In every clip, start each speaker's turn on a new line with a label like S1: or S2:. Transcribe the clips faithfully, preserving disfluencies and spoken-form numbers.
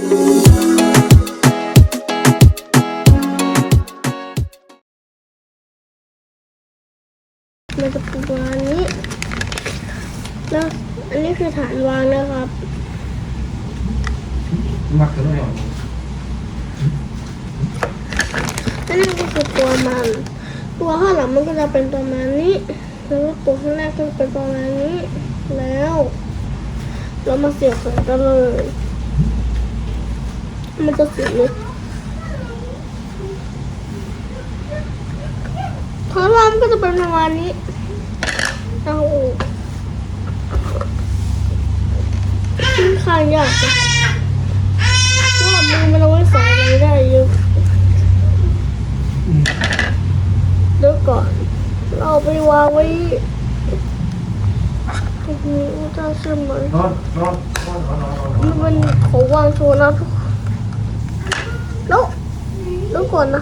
S1: มันจะเป็นประมาณนี้แล้วอันนี้คือฐานวางนะครับ
S2: มักกันได้หรอ
S1: อันนี้ก็คือตัวมันตัวข้างหลังมันก็จะเป็นประมาณนี้แล้วก็ตัวข้างหน้าก็เป็นประมาณนี้แล้วเรามาเสียบแขนกันเลยมันจะเสียบเลยข้างล่างก็จะเป็นประมาณนี้เอาขึ้นข้างยากนะเพราะว่ามือมันเอาไว้ใส่อะไรได้เยอะเดี๋ยวก่อนเราไปวางไว้ตรงนี้จะใช่ไหม
S2: นอนนอนนอนนอนนอน
S1: มันเป็นของวางโชว์นะทุกคนแล้วแล้วก่อนนะ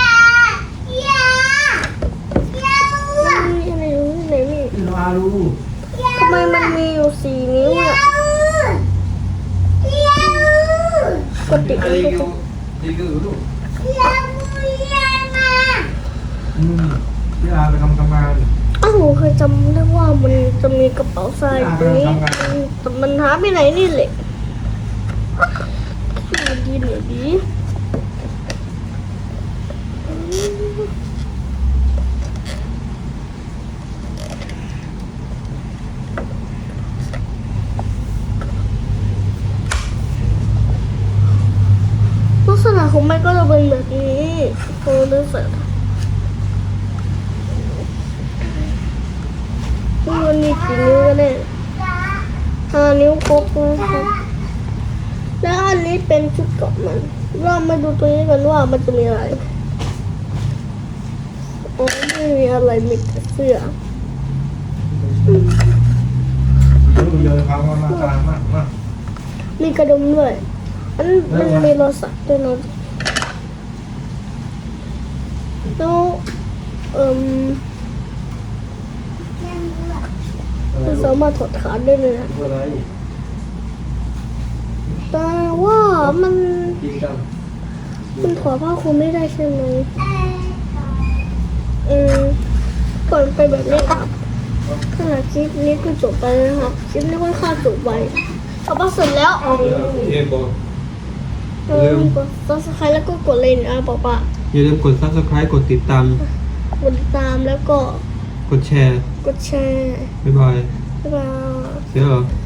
S1: มีอะไรอยู่ที่ไหนนี่
S2: ลาลู
S1: ทำไมมันมีอยู่สี่นิ้วอ่ะกดติดกันทุกคน
S2: อืมพี่อาไปทำทำงาน
S1: อ้าวเคยจำได้ว่ามันจะมีกระเป๋าทรายตรงนี้แต่มันหาไปไหนนี่แหละดีหน่อยดีลักษณะของมันก็จะเป็นแบบนี้พอดูเสร็จมันมีกี่นิ้วกันเนี่ยห้านิ้วครบนะครับแล้วอันนี้เป็นชุดเกาะมันเรามาดูตัวนี้กันว่ามันจะมีอะไรอ๋อไม่มีอะไรมีแต่เสื้อ
S2: เดินทางมามากลางมากมาก
S1: มีกระดุมด้วยอันมันมีโลสักด้วยนะแล้วเอ่มมันสามารถถอดขาได้เลยนะแต่ว่ามันมันถอดผ้าคลุมไม่ได้ใช่ไหมอืมก่อนไปแบบนี้ครับขณะคลิปนี้ก็จบไปนะครับคลิปนี้ค่อนข้างจบไปเอาไปเสร็จแล้วเ
S2: อ็มบอก
S1: เออกด ซับสไครบ์ แล้วก็กดเลยนะป๊าป๊า
S2: อย่าลืมกด ซับสไครบ์ กดติดตาม
S1: กดติดตามแล้วก็
S2: กดแชร์
S1: กดแชร์
S2: บ๊ายบาย
S1: บ๊ายบาย
S2: เสียเหรอ